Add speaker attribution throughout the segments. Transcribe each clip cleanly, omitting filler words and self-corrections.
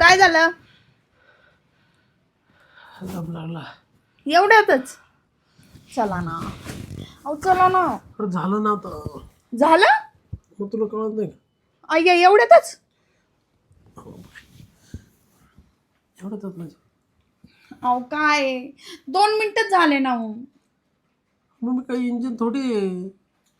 Speaker 1: काय झालं?
Speaker 2: दम लागला.
Speaker 1: एवढ्यातच? चला ना. अहो चला ना.
Speaker 2: झालं ना आता.
Speaker 1: झालं?
Speaker 2: मग तुला कळत नाही का?
Speaker 1: अय्या एवढ्यातच?
Speaker 2: एवढंच नाही.
Speaker 1: अहो काय 2 मिनिटच झाले ना हो.
Speaker 2: मग मी काही इंजिन थोडी आहे.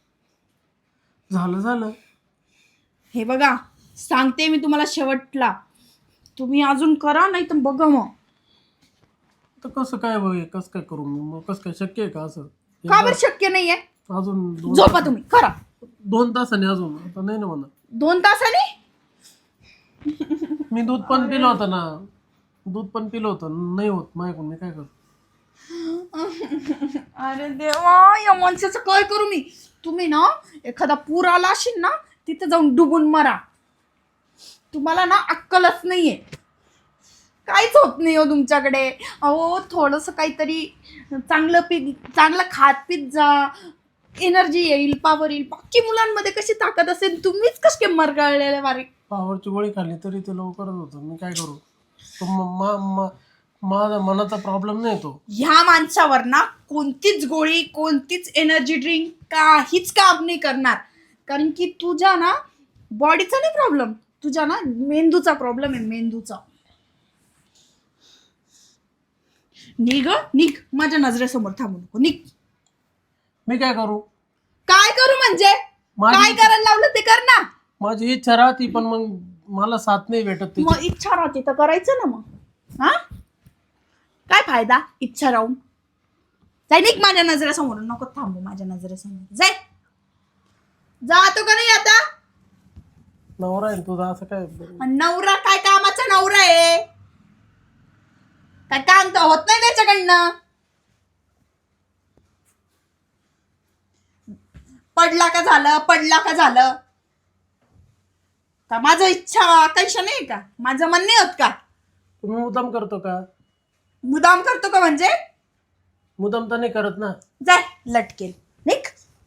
Speaker 2: झालं.
Speaker 1: हे बघा, सांगते मी तुम्हाला शेवटला. तुम्ही अजून करा नाही तर बघा मग.
Speaker 2: तर कसं काय बघ, कसं काय करू मग? कसं काय शक्य आहे का असं?
Speaker 1: का बरं शक्य नाहीये?
Speaker 2: अजून
Speaker 1: झोपा तुम्ही, करा.
Speaker 2: 2 तासाने अजून आता नाही ना म्हणा.
Speaker 1: 2 तासाने?
Speaker 2: मी दूध पण पिलं होतं ना. दूध पण पिलं होतं, नाही होत माझ्याकडून. मी काय करू?
Speaker 1: अरे देवा, या माणसाचं काय करू मी? तुम्ही ना एखादा पूर आला असेल ना, तिथे जाऊन डुबून मरा. तुम्हाला ना अक्कलच नाहीये. काहीच होत नाही हो तुमच्याकडे. अहो थोडंसं काहीतरी चांगलं खात पीत जा, एनर्जी येईल, पॉवर येईल. बाकी मुलांमध्ये कशी ताकद असेल, तुम्हीच कसे मरगळलेले बारीक.
Speaker 2: पावरची गोळी खाल्ली तरी ते लवकरच होतं. मी काय करू? तो माझा मनाचा प्रॉब्लेम नाही तो.
Speaker 1: ह्या माणसावर ना कोणतीच गोळी, कोणतीच एनर्जी ड्रिंक काहीच काम नाही करणार. कारण की तुझ्या ना बॉडीचा नाही प्रॉब्लेम, तुझ्या ना मेंदूचा प्रॉब्लेम आहे, मेंदूचा. निघ माझ्या नजरेसमोर थांबू नको, निघ.
Speaker 2: मी काय करू?
Speaker 1: काय करू म्हणजे? काय करायला लावलं ते कर ना.
Speaker 2: माझी इच्छा राहती, पण मग मला साथ नाही भेटत त्याची.
Speaker 1: मग इच्छा राहते तर करायचं ना मग. हा काय फायदा इच्छा राहून? जाय निघ माझ्या नजरेसमोर, नको थांबू माझ्या नजरेसमोर. जाय. जातो का नाही आता?
Speaker 2: नवरा आहे तुझा, असं काय?
Speaker 1: नवरा काय कामाचा नवरा आहे? काय काम तर होत नाही त्याच्याकडनं. पडला का झालं का? माझं इच्छा आकांक्षा नाही का? माझं मन नाही होत का?
Speaker 2: तुम्ही मुद्दाम करतो का?
Speaker 1: मुदाम करतो का म्हणजे?
Speaker 2: मुद्दाम तर नाही करत ना.
Speaker 1: जाय लटकेल, निघ.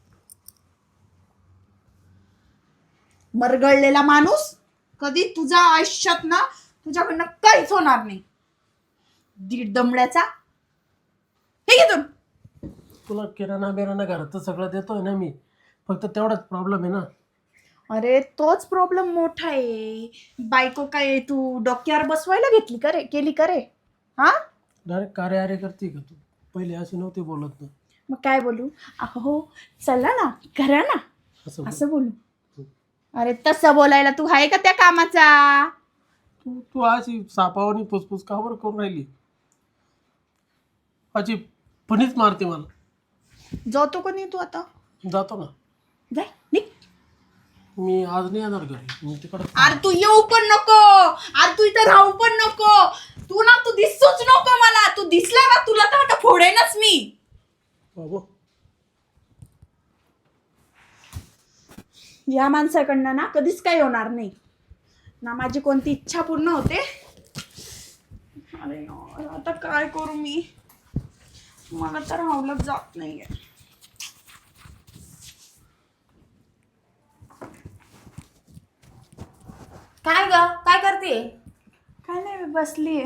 Speaker 1: मरगळलेला माणूस. कधी तुझ्या आयुष्यात ना तुझ्याकडनं काहीच होणार नाही. दीड दमड्याचा. हे घे तू.
Speaker 2: तुला किराणा घरात सगळं देतोय ना मी. फक्त तेवढाच प्रॉब्लेम आहे ना.
Speaker 1: अरे तोच प्रॉब्लेम मोठा आहे. बायको काय तू डोक्यावर बसवायला केली का रे? हा
Speaker 2: डायरेक्ट कार्य करते का तू? पहिले अशी नव्हती बोलत ना.
Speaker 1: मग काय बोलू? अहो चला ना, करा ना, असं बोलू. अरे तसं बोलायला तू आहे का त्या कामाचा?
Speaker 2: तू अशी सापावानी फुसफुस का बरं करून राहिली? अशी फणीच मारते मला.
Speaker 1: जातो का नाही तू आता?
Speaker 2: जातो ना.
Speaker 1: जाय निघ.
Speaker 2: मी आज नाही येणार घरी, मी तिकडे.
Speaker 1: अरे तू येऊ पण नको, अरे तू इथं राहू पण नको. तू दिसूच नको मला. तू दिसला ना तुला तर आता फोडेनच मी.
Speaker 2: बाबू
Speaker 1: या माणसाकडनं ना कधीच काही होणार नाही ना. माझी कोणती इच्छा पूर्ण होते. अरे यार, आता काय करू मी? मला तर राहवलं जात नाहीये.
Speaker 3: काय ग, काय करते?
Speaker 1: काय नाही, मी बसलीये.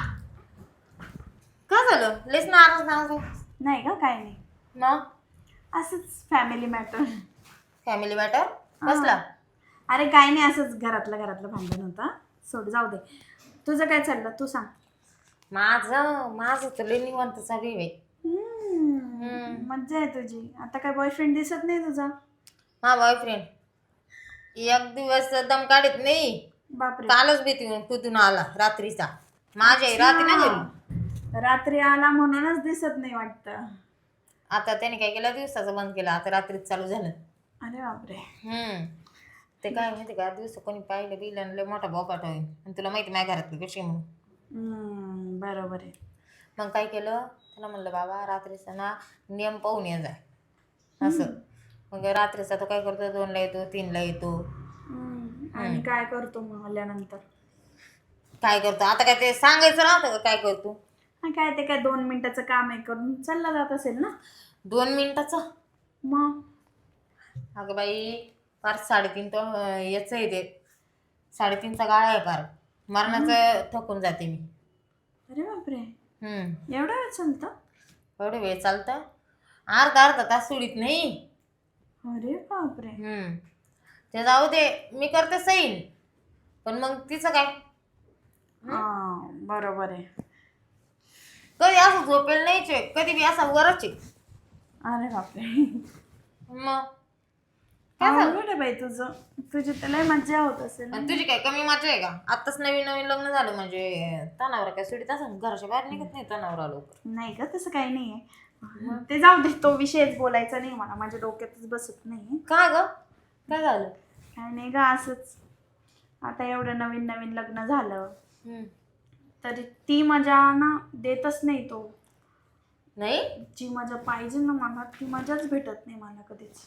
Speaker 3: काय झालं? लेस नाराज
Speaker 1: नाही का, काय नाही.
Speaker 3: मग
Speaker 1: असंच फॅमिली मॅटर.
Speaker 3: फॅमिली मॅटर कसला?
Speaker 1: अरे काय नाही, असंच घरातलं भांडण होतं. सोड, जाऊ दे. तुझं काय चाललं तू सांग.
Speaker 3: माझं तर लई निवांत चालू आहे.
Speaker 1: मज्जा आहे तुझी. आता काय बॉयफ्रेंड दिसत नाही तुझा?
Speaker 3: हा बॉयफ्रेंड एक दिवस दम काढत नाही.
Speaker 1: बापरे.
Speaker 3: कालच कुठून आला रात्रीचा. माझ्या रात्री ना घरी.
Speaker 1: रात्री आला म्हणूनच दिसत नाही वाटतं.
Speaker 3: आता त्याने काय केलं, दिवसाचं बंद केलं, आता रात्रीच चालू झालं.
Speaker 1: अरे बापरे.
Speaker 3: ते काय माहिती का, दिवस कोणी पाहिलं बिलं लय मोठा बोकाट होईल. आणि तुला माहिती माझ्या घरातली कशी म्हणून.
Speaker 1: बरोबर आहे.
Speaker 3: मग काय केलं, त्याला म्हणलं बाबा रात्रीचा ना नियम पाहून ये जाय असं. मग रात्रीचा तो काय करतो, 2ला येतो, 3ला येतो.
Speaker 1: आणि काय करतो मग आल्यानंतर?
Speaker 3: काय करतो आता, काय ते सांगायचं नव्हतं का काय करतो?
Speaker 1: काय ते काय 2 मिनिटाचं काम आहे करून चालला जात असेल ना.
Speaker 3: 2 मिनिटाचं?
Speaker 1: मग
Speaker 3: अगं बाई, फार 3.5 तो याचं आहे ते. 3.5चा गाळा आहे फार. मरणाचं थकून जाते मी.
Speaker 1: अरे बापरे,
Speaker 3: हम्म.
Speaker 1: एवढा वेळ चालतं?
Speaker 3: एवढे वेळ चालतं, अर्धा तास सोडित नाही.
Speaker 1: अरे बापरे.
Speaker 3: ते जाऊ दे, मी करते सैन, पण मग तिचं काय?
Speaker 1: हा बरोबर आहे.
Speaker 3: कधी असं झोपेल नाहीच आहे, कधी बी असा वरच आहे.
Speaker 1: अरे बापरे,
Speaker 3: मग काय झालं?
Speaker 1: अवघड आहे बाई तुझं. तुझी तर लय मज्जा होत असेल ना?
Speaker 3: आणि तुझी काय कमी मजा आहे का? आताच नवीन नवीन लग्न झालं म्हणजे तणावर काय सोडित असं घराच्या बाहेर निघत नाही तणावर लवकर.
Speaker 1: नाही का, तसं काही नाहीये. ते जाऊ दे, तो विषयच बोलायचा नाही मला, माझ्या डोक्यातच बसत नाही.
Speaker 3: का ग, काय झालं?
Speaker 1: काय नाही ग, असंच. आता एवढं नवीन नवीन लग्न झालं तरी ती मजा ना देतच नाही तो.
Speaker 3: नाही
Speaker 1: जी मजा पाहिजे ना मला, ती मजाच भेटत नाही मला कधीच.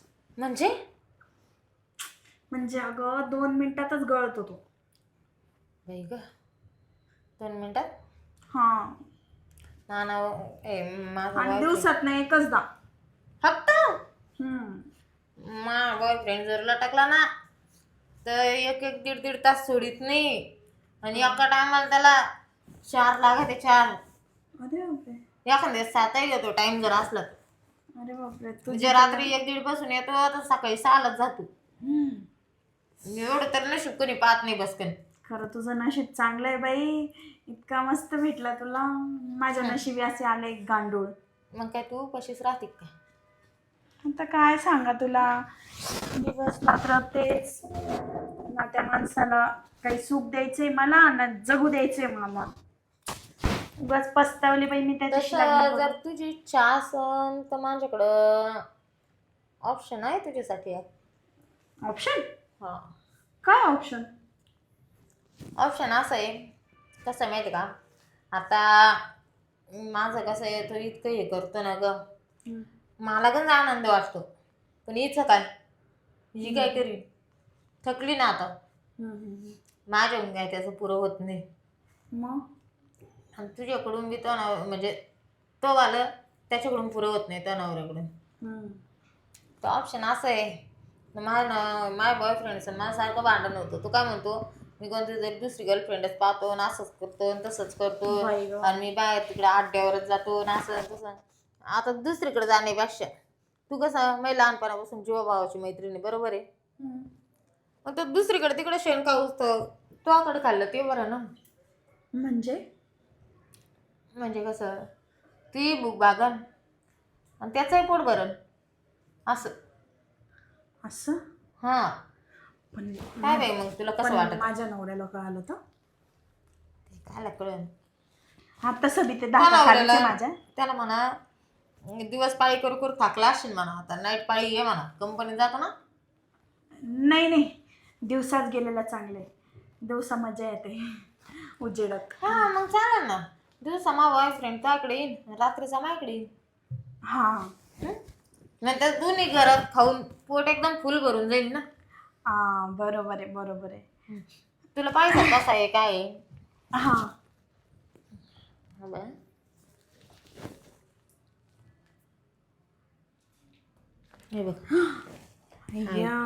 Speaker 1: म्हणजे अगं 2 मिनिटातच गळत होतो.
Speaker 3: बाई ग, 2 मिनिटात?
Speaker 1: हा,
Speaker 3: नाना माझा
Speaker 1: आणि
Speaker 3: boyfriend-
Speaker 1: दिवसात ना एकचदा.
Speaker 3: फक्त
Speaker 1: हम्म.
Speaker 3: माझा बॉयफ्रेंड जर लटकला ना तर एक एक दीड तास सोडित नाही. आणि एका टायमाला त्याला 4 लागते, 4.
Speaker 1: अरे बापरे.
Speaker 3: एखाद्या 7ही घेतो टाइम जर असला तर.
Speaker 1: अरे बापरे,
Speaker 3: म्हणजे रात्री 1-1:30 पासून येतो तर सकाळी 6लाच जातो.
Speaker 1: हम्म.
Speaker 3: एवढं तर नशीब कोणी पाहत नाही बसकन.
Speaker 1: खरं तुझं नशीब चांगलं आहे बाई, इतका मस्त भेटला तुला. माझ्या नशिबी असे आले एक गांडूळ.
Speaker 3: मग काय तू कशीच राहते का?
Speaker 1: आता काय सांगा तुला, दिवस रात्र तेच ना. त्या माणसाला काही सुख द्यायचंय मला ना जगू द्यायचंय मला. उगाच पस्तावली बाई मी त्याच्याशी लग्न
Speaker 3: तसं
Speaker 1: करून.
Speaker 3: जर तुझी इच्छा असन तर माझ्याकडं ऑप्शन आहे तुझ्यासाठी.
Speaker 1: ऑप्शन?
Speaker 3: हा,
Speaker 1: काय ऑप्शन?
Speaker 3: ऑप्शन असं आहे, कसं आहे माहिती का, आता माझं कसं आहे, तो इतकं हे करतो ना ग, मला गंज आनंद वाटतो. पण हिचं काय, ही काय करीन, थकली ना आता. माझ्याकडून काय त्याचं पुरं होत नाही.
Speaker 1: मग
Speaker 3: आणि तुझ्याकडून बी तो म्हणजे तो वालं त्याच्याकडून पुरं होत नाही त्या नवऱ्याकडून. तो ऑप्शन असं आहे, माझ्या बॉयफ्रेंडचं माझ्यासारखं भांडण होतं. तो काय म्हणतो, मी कोणती तरी दुसरी गर्लफ्रेंडच पाहतो आणि असंच करतो आणि तसंच करतो
Speaker 1: बाई गं.
Speaker 3: आणि मी बाहेर तिकडे अड्ड्यावरच जातो आणि असं तसं. आता दुसरीकडे जाण्यापेक्षा तू कसं मी लहानपणापासून जीवाभावाची मैत्रिणी, बरोबर आहे, मग तो दुसरीकडे तिकडे शेण खाऊस तर तो आकडे खाल्लं ते बरं ना. म्हणजे कसं, ती भूक भागन आणि त्याचंही पोट भरण असं.
Speaker 1: असं?
Speaker 3: हा,
Speaker 1: पण
Speaker 3: काय बाई मग तुला कसं
Speaker 1: पण
Speaker 3: वाटत?
Speaker 1: माझ्या नवऱ्याला कळालं तर
Speaker 3: काय कळलं?
Speaker 1: हा, तसं बी ते
Speaker 3: त्या
Speaker 1: दाखा खालीच
Speaker 3: नवऱ्याला
Speaker 1: आहे माझ्या.
Speaker 3: त्याला म्हणा, दिवस पाळी करू करू थाकला असशील म्हणा, आता नाईट पाळी ये म्हणा, कंपनीत जातो ना.
Speaker 1: नाही नाही, दिवसात गेलेला चांगलं आहे. दिवसा मजा येते उजेडत.
Speaker 3: हा मग चालेल ना, दिवसा मा बॉयफ्रेंड त्याकडे येईन, रात्रीचा माझ्याकडे येईन.
Speaker 1: हा
Speaker 3: नंतर दोन्ही घरात खाऊन पोट एकदम फुल भरून जाईल ना.
Speaker 1: हा, बरोबर आहे बरोबर आहे.
Speaker 3: तुला पाहिजे कसा आहे काय आहे?
Speaker 1: हा,
Speaker 3: हा बरं. हे बघ
Speaker 1: या.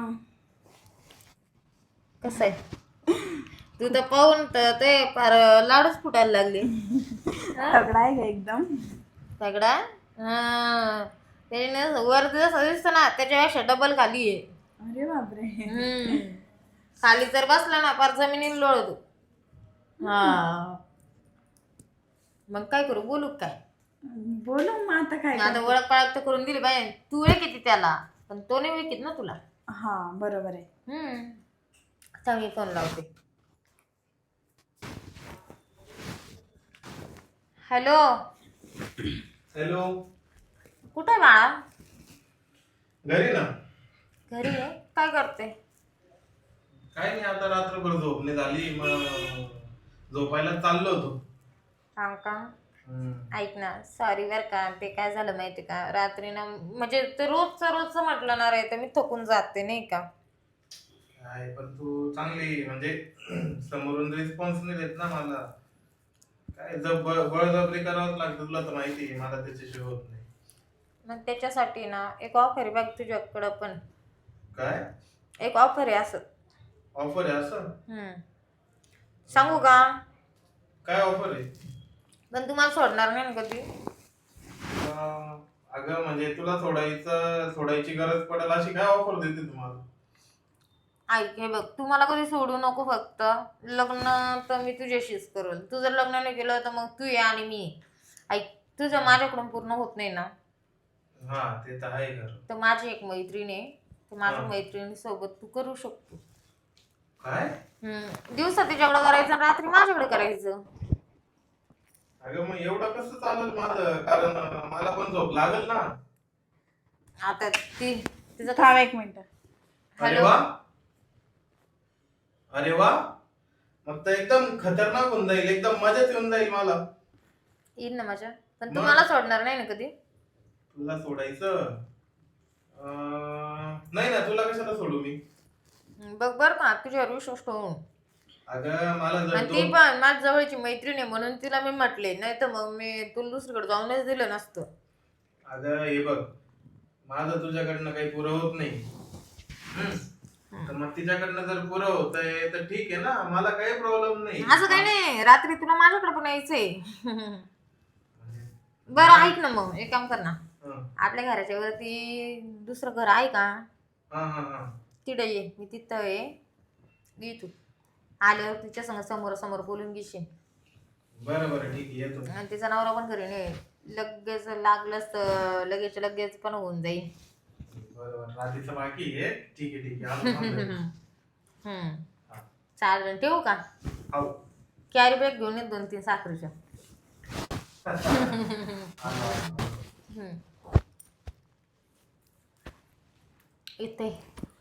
Speaker 3: कसं आहे, तू तर पाहून तर ते फार लाडूच फुटायला लागले.
Speaker 1: तगडा आहे का एकदम?
Speaker 3: सगळा त्याने वर जसं दिसतं ना त्याच्यापेक्षा डबल खाली आहे.
Speaker 1: अरे बापरे.
Speaker 3: खाली जर बसला ना फार जमिनीला लोळतो. हा, मग काय करू, बोलू का काय?
Speaker 1: बोलू मग आता काय
Speaker 3: आता
Speaker 1: करते?
Speaker 3: ओळख पाळख तर करून दिली पाहिजे. तू किती त्याला, पण तो नाही विकित ना तुला.
Speaker 1: हा बरोबर आहे.
Speaker 3: आता मी फोन लावते. हॅलो.
Speaker 2: हॅलो,
Speaker 3: कुठे आहे बाळा?
Speaker 2: घरी ना.
Speaker 3: घरी आहे. काय करते?
Speaker 2: काय नाही, आता रात्रभर झोपणे झाली, मग झोपायला चाललो होतो.
Speaker 3: सांग का? ऐक ना, सॉरी बर का, ते काय झालं माहिती का, रात्री ना म्हणजे ते रोजचं म्हटलं ना रे, तर मी थकून जाते नाही का.
Speaker 2: काय पण तू चांगली म्हणजे समोरून रिस्पॉन्स नाही देत ना मला. काय बळजबरी करावंच लागतं, तुला तर माहिती आहे मला त्याच्याशिवाय होत नाही.
Speaker 3: मग त्याच्यासाठी ना एक ऑफर आहे बघ तुझ्याकडं पण.
Speaker 2: काय
Speaker 3: एक ऑफर आहे असं.
Speaker 2: ऑफर आहे असं?
Speaker 3: सांगू का?
Speaker 2: काय ऑफर आहे?
Speaker 3: पण तुम्हाला सोडणार नाही ना कधी.
Speaker 2: अगं म्हणजे तुला सोडायची गरज पडेल अशी काय ऑफर देते तुम्हाला?
Speaker 3: ऐक हे बघ, तू मला कधी सोडू नको. फक्त लग्न तर मी तुझ्याशीच करेल. तू जर लग्न नाही केलं तर मग तू ये आणि मी ये. ऐक, तुझं माझ्याकडून पूर्ण होत नाही ना,
Speaker 2: हा ते तर आहे खरं.
Speaker 3: तर माझी एक मैत्रीण आहे, तर माझ्या
Speaker 2: हा.
Speaker 3: मैत्रिणीसोबत तू करू शकतो.
Speaker 2: काय?
Speaker 3: दिवसा तिच्याकडे करायचं आणि रात्री माझ्याकडे करायचं.
Speaker 2: अगं मग एवढं कसं चालेल माझं? कारण मला पण झोप लागेल ना.
Speaker 3: आता तिचं
Speaker 1: थांब एक मिनिट.
Speaker 2: अरे
Speaker 3: हॅलो.
Speaker 2: वा, अरे वा, मग तर एकदम खतरनाक होऊन जाईल, एकदम मजाच येऊन जाईल मला.
Speaker 3: येईल ना माझ्या, पण
Speaker 2: मग?
Speaker 3: तू मला सोडणार नाही ना कधी.
Speaker 2: तुला सोडायचं? नाही ना, तुला कशाला सोडू मी?
Speaker 3: बघ बर का, तुझ्यावर विश्वास ठेवून.
Speaker 2: अगं मला जर
Speaker 3: आणि ती पण माझ्या जवळची मैत्रीण आहे म्हणून तिला मी म्हटले, नाही तर मग मी तुला दुसरीकडे जाऊनच दिलं नसतं.
Speaker 2: अगं हे बघ, माझं तुझ्याकडनं काही पुरं होत नाही. तर मग तिच्याकडनं जर पुरं होतंय तर ठीक आहे ना, मला काही प्रॉब्लेम नाही.
Speaker 3: असं काही नाही, रात्री तुला माझ्याकडे पण यायचंय. बरं ऐक ना, मग एक काम कर ना,
Speaker 2: हं.
Speaker 3: आपल्या घराच्या वरती दुसरं घर आहे का?
Speaker 2: हा हा हा.
Speaker 3: तिथं ये, मी तिथं आहे. ये तू आल्यावर तिच्या संग समोरासमोर बोलून घेशील.
Speaker 2: बरं बरं ठीक आहे, येतो.
Speaker 3: आणि तिचा नवरा पण घरी नाही. लगेच लागलंच तर लगेच पण होऊन जाईल.
Speaker 2: बरं बरं, रात्रीचं बाकी आहे. ठीक आहे ठीक आहे, आलो थांब.
Speaker 3: हम्म.
Speaker 2: हा.
Speaker 3: चालेल, ठेवू का?
Speaker 2: आऊ.
Speaker 3: कॅरी बॅग घेऊन येत 2-3 साखरेच्या.
Speaker 2: आलो.
Speaker 3: इथे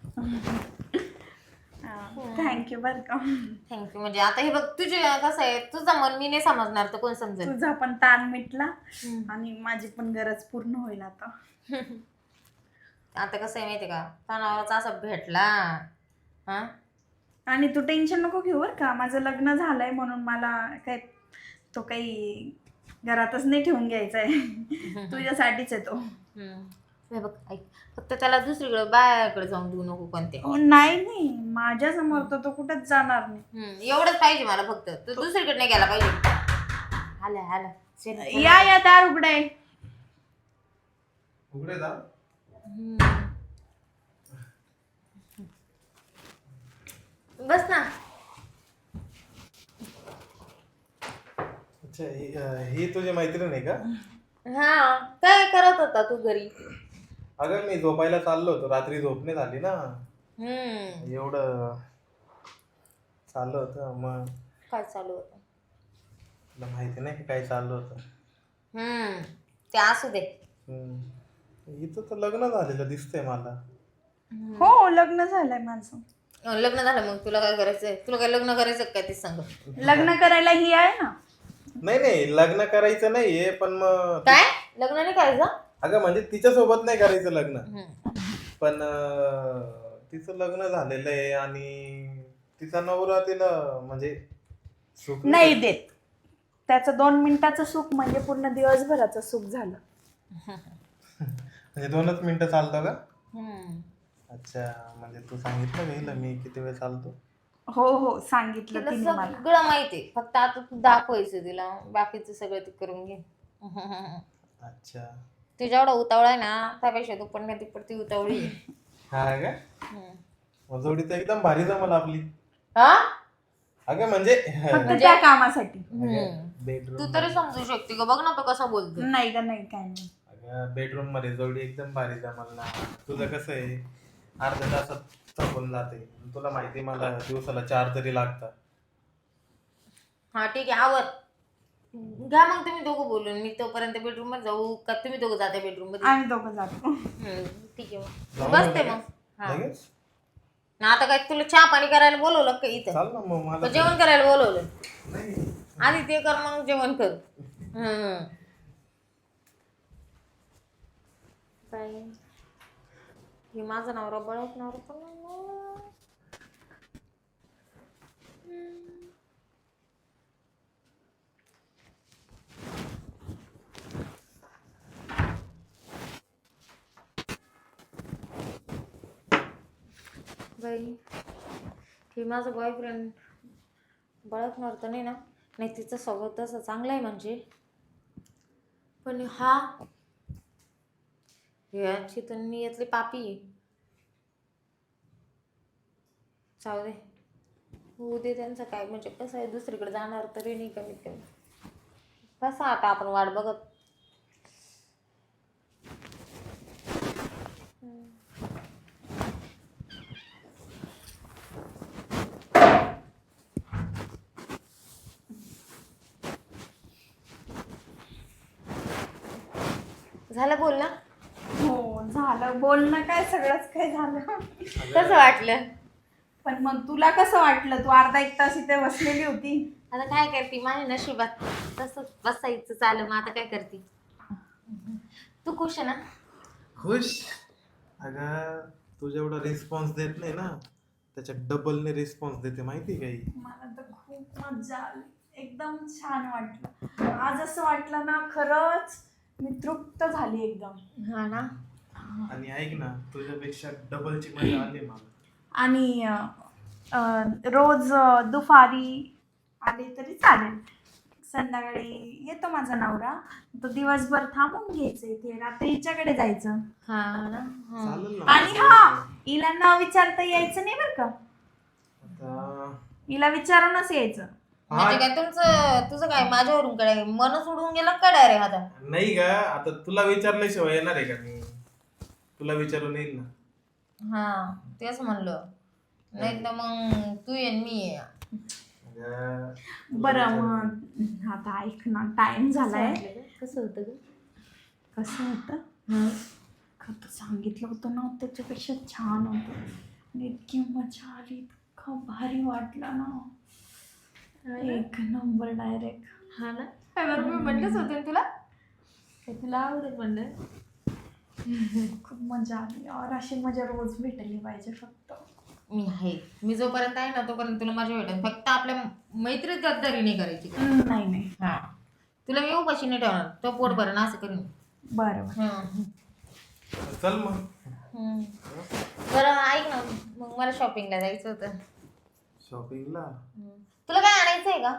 Speaker 1: थँक्यू बर का.
Speaker 3: थँक्यू. म्हणजे आता हे बघ, तुझे कसं आहे, तुझं मन मी नाही समजणार तर कोण समजेल.
Speaker 1: तुझा पण ताण मिटला आणि माझी पण गरज पूर्ण होईल आता.
Speaker 3: आता कसं आहे माहितीये का, तणावाचा असा भेटला. हा,
Speaker 1: आणि तू टेन्शन नको घेऊ बर का. माझं लग्न झालंय म्हणून मला काही तो काही घरातच नाही ठेवून घ्यायचा आहे. तुझ्यासाठीच आहे तो.
Speaker 3: हे बघ ऐक, फक्त त्याला दुसरीकडे बायाकडे जाऊन देऊ नको कोणते.
Speaker 1: नाही नाही, माझ्या समोर तर तो कुठेच जाणार नाही.
Speaker 3: एवढंच पाहिजे मला फक्त, तू दुसरीकडे नाही गेला पाहिजे. आला चल.
Speaker 1: या दार उघडाय.
Speaker 2: उघडे जा.
Speaker 3: बस ना.
Speaker 2: अच्छा, ही तुझी मैत्रीण आहे का?
Speaker 3: हा, काय करत होता तू घरी?
Speaker 2: अगं मी झोपायला चाललो होतो, रात्री झोप नाही झाली ना, एवढं चाललं होतं. मग
Speaker 3: काय चालू होतं?
Speaker 2: तुला माहिती नाही का काय चाललं होतं?
Speaker 3: ते असू दे.
Speaker 2: इथं तर लग्न झालेलं दिसतंय मला.
Speaker 1: हो, लग्न झालंय माझं.
Speaker 3: लग्न झालं मग तुला काय करायचंय? तुला काय लग्न करायचं काय ते सांग.
Speaker 1: लग्न करायला ही आहे ना.
Speaker 2: नाही नाही, लग्न करायचं नाहीये, पण मग
Speaker 3: काय लग्न नाही करायचं?
Speaker 2: अगं म्हणजे तिच्या सोबत नाही करायचं लग्न, पण तिचं लग्न झालेलं आहे आणि तिचा नवरा तिला म्हणजे सुख
Speaker 1: नाही देत. त्याचं 2 मिनिटाचं सुख म्हणजे पूर्ण दिवसभराचं सुख झालं.
Speaker 2: म्हणजे 2च मिनिटं चालतं का? अच्छा, म्हणजे तू सांगितलं गेलं मी किती वेळ चालतो?
Speaker 1: हो हो, सांगितलं
Speaker 3: तिला
Speaker 1: तिने मला.
Speaker 3: सगळं माहितीये, फक्त आता तू दाखवायचं तिला. बाकीचं सगळं ती करून घे.
Speaker 2: अच्छा,
Speaker 3: तू जेवढा उतावळा आहे ना, त्यापेक्षा तू पण नाही ती उतावळी आहे.
Speaker 2: हा का? मग जोडी तर एकदम भारी जमल आपली.
Speaker 3: हा,
Speaker 2: अगं म्हणजे
Speaker 1: फक्त त्या कामासाठी.
Speaker 2: बेडरूम
Speaker 3: तू तरी समजू शकते का? बघ ना तो कसा बोलतो.
Speaker 1: नाही का, नाही काय नाही.
Speaker 2: अगं बेडरूम मध्ये जोडी एकदम भारी जमल ना. तुझं कसं आहे, अर्ध्या तासात थकून जाते. तुला माहिती मला दिवसाला 4 तरी लागतात.
Speaker 3: हा ठीक आहे, आवर. घ्या मग तुम्ही दोघं बोलून. मी तोपर्यंत बेडरूम मध्ये जाऊ का? तुम्ही दोघं जाते बेडरूम मध्ये?
Speaker 1: आम्ही दोघं जातो.
Speaker 3: ठीक आहे, मग
Speaker 2: जाऊ
Speaker 3: बसते
Speaker 2: ना
Speaker 3: मग. हा.
Speaker 2: लगेच
Speaker 3: ना आता काय तुला चहा पाणी करायला बोलवलं का इथं?
Speaker 2: चाल ना मग
Speaker 3: का
Speaker 2: मला.
Speaker 3: जेवण करायला बोलवलं?
Speaker 2: नाही
Speaker 3: आधी ते कर, मग जेवण कर. काय हे माझा नवरा बळत नवरा पण बाई, हे माझा बॉयफ्रेंड बळकणार तर नाही ना? नाही, तिचं स्वभाव तसं चांगलं आहे म्हणजे, पण हा याची तर नियतली पापी आहे. जाऊ दे, होऊ दे त्यांचं काय, म्हणजे कसं आहे, दुसरीकडे जाणार तरी नाही कमीत कमी. कसं आता आपण वाट बघत. झालं बोल ना.
Speaker 1: हो झालं बोलणं, काय सगळंच काय झालं.
Speaker 3: कसं वाटलं?
Speaker 1: पण मग तुला कसं वाटलं? तू अर्धा एक तास इथे बसलेली होती.
Speaker 3: आता काय करते, माझ्या नशिबात तसंच बसायचं चालू. मग आता काय करते? तू खुश आहे ना?
Speaker 2: खुश? अगं तू जेवढा रिस्पॉन्स देत नाही ना, त्याच्या डबलने रिस्पॉन्स देते, माहिती आहे काही?
Speaker 1: मला तर खूप मजा आली, एकदम छान वाटलं. आज असं वाटलं ना, खरंच मी तृप्त झाली एकदम.
Speaker 3: हा ना.
Speaker 2: आणि ऐक ना, तुझ्यापेक्षा डबलची मजा आली मला.
Speaker 1: आणि रोज दुपारी आले तरी चालेल. संध्याकाळी येतो माझा नवरा, तर दिवसभर थांबून घ्यायचं इथे, रात्री हिच्याकडे जायचं.
Speaker 3: हा ना. हा.
Speaker 2: चालेल ना.
Speaker 1: आणि हा, हिला न विचारता यायचं नाही बरं का,
Speaker 2: आता
Speaker 1: हिला विचारूनच यायचं.
Speaker 3: म्हणजे काय तुझं काय माझ्यावरून काय मन सोडून गेलं का डायरेक्ट आता?
Speaker 2: नाही का, आता तुला विचारल्याशिवाय येणार आहे का मी? तुला विचारून येईल ना.
Speaker 3: हा तेच म्हणलं, नाही तर मग तू ये आणि मी ये.
Speaker 2: अगं,
Speaker 1: बरं मग आता ऐक ना, टाइम झालाय.
Speaker 3: कसं होतं ग?
Speaker 1: कसं होतं? खरं सांगितलं होतं ना, त्याच्यापेक्षा छान होतं. आणि इतकी मजा आली, इतकं भारी वाटलं ना, एक नंबर डायरेक्ट.
Speaker 3: हा ना. काय बरं, मी म्हणलंच होते ना तुला, तुला आवडेल म्हणलं.
Speaker 1: खूप मजा आली. और अशी मजा रोज भेटली पाहिजे फक्त.
Speaker 3: मी आहे, मी जोपर्यंत आहे ना तोपर्यंत तुला माझ्या भेटेल. फक्त आपल्या मैत्रीत गद्दारी नाही करायची.
Speaker 1: नाही नाही.
Speaker 3: हा, तुला मी उपाशी नाही ठेवणार, तो पोट भरण असं करीन.
Speaker 1: बरं बरं.
Speaker 2: चल मग.
Speaker 3: बरं ऐक ना, मग मला शॉपिंगला जायचं होतं.
Speaker 2: शॉपिंगला?
Speaker 3: तुला काय आणायचं आहे का?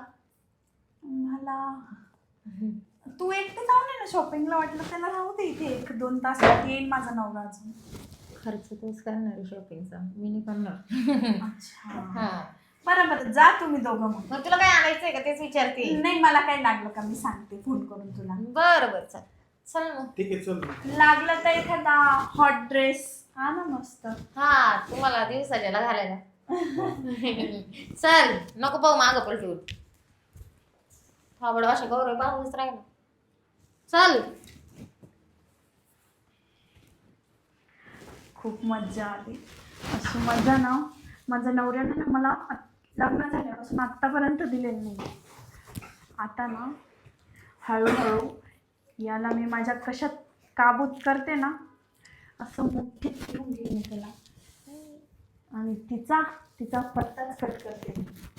Speaker 1: मला तू एकटे जाऊन ये ना शॉपिंगला, वाटलं त्याला राहू दे इथे, 1-2 तास येईल माझा नवरा अजून.
Speaker 3: खर्च तोच करणार आहे शॉपिंगचा, मी नाही करणार.
Speaker 1: अच्छा,
Speaker 3: हा,
Speaker 1: बरं बरं, जा तुम्ही दोघं मग.
Speaker 3: मग तुला काय आणायचं आहे का तेच विचारते.
Speaker 1: नाही, मला काही लागलं का मी सांगते फोन करून तुला.
Speaker 3: बरं बरं, चल चल मग.
Speaker 2: ठीक आहे, चल मग.
Speaker 1: लागलं तर एखादा हॉट ड्रेस हा ना मस्त.
Speaker 3: हा, तुम्हाला दिवसाच्याला घालायला. चल, नको पाहू मागं पलटून. हा बडा अशा गौरव पाहूनच राहिला. चल.
Speaker 1: खूप मज्जा आली. अशी मजा ना माझ्या नवऱ्यानं ना मला लग्न झाल्यापासून आत्तापर्यंत दिलेली नाही. आता ना हळूहळू याला मी माझ्या कशात काबूत करते ना, असं मुठीत घेऊन घेईन त्याला, आणि तिचा पत्ताच कट करते.